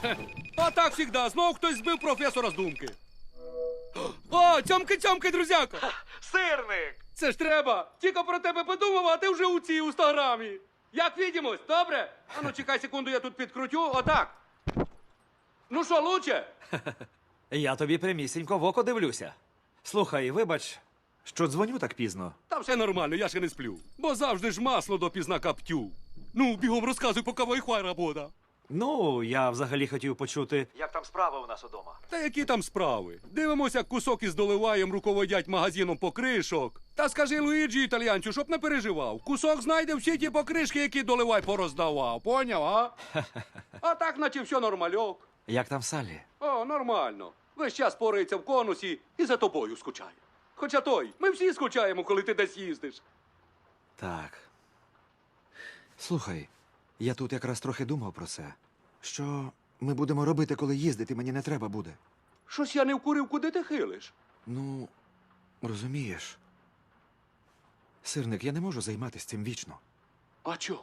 А так завжди, знов хтось збив професора з думки. О, цьомки-цьомки, друзяко! Сирник! Це ж треба! Тільки про тебе подумав, а ти вже у цій інстаграмі. Як відімось, добре? А ну чекай секунду, я тут підкрутю, отак. Ну що, лучше? Я тобі прямісінько в око дивлюся. Слухай, вибач, що дзвоню так пізно. Та все нормально, я ще не сплю. Бо завжди ж масло допізна каптю. Ну, бігом розказуй, поки вайфай робота. Ну, я взагалі хотів почути, як там справи у нас удома. Та які там справи? Дивимося, як кусок із доливаєм руководять магазином покришок. Та скажи Луїджі італіянцю, щоб не переживав. Кусок знайде всі ті покришки, які доливай пороздавав. Поняв, а? А так, наче все нормальок. Як там Саллі? О, нормально. Весь час порається в конусі і за тобою скучає. Хоча той, ми всі скучаємо, коли ти десь їздиш. Так. Слухай, я тут якраз трохи думав про це. Що ми будемо робити, коли їздити мені не треба буде? Щось я не вкурив, куди ти хилиш. Ну, розумієш. Сирник, я не можу займатися цим вічно. А чо?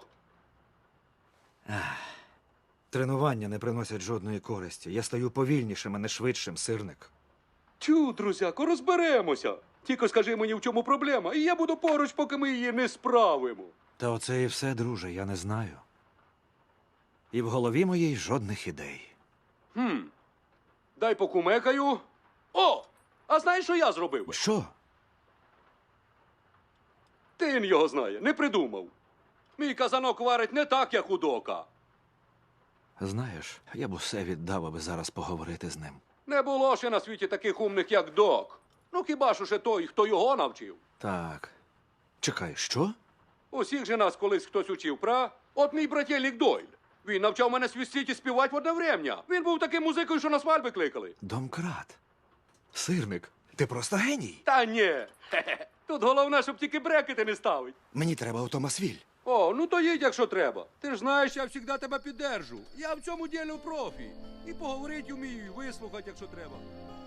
Тренування не приносять жодної користі. Я стаю повільнішим, а не швидшим, сирник. Тю, друзяко, розберемося. Тільки скажи мені, в чому проблема, і я буду поруч, поки ми її не справимо. Та оце і все, друже, я не знаю. І в голові моїй жодних ідей. Дай покумекаю. О! А знаєш, що я зробив би? Що? Тин його знає, не придумав. Мій казанок варить не так, як у дока. Знаєш, я б усе віддав, аби зараз поговорити з ним. Не було ще на світі таких умних, як док. Ну хіба що ще той, хто його навчив. Так. Чекай, що? Усіх же нас колись хтось учив, пра? От мій брателік Дойль. Він навчав мене свистіть і співати в одне врем'я. Він був таким музикою, що на свадьби кликали. Домкрат. Сирник, ти просто геній. Та ні. Хе-хе. Тут головне, щоб тільки брекети не ставить. Мені треба автомасвіль. О, ну то їдь, якщо треба. Ти ж знаєш, я завжди тебе піддержу. Я в цьому ділі профі. І поговорити вмію, і вислухати, якщо треба.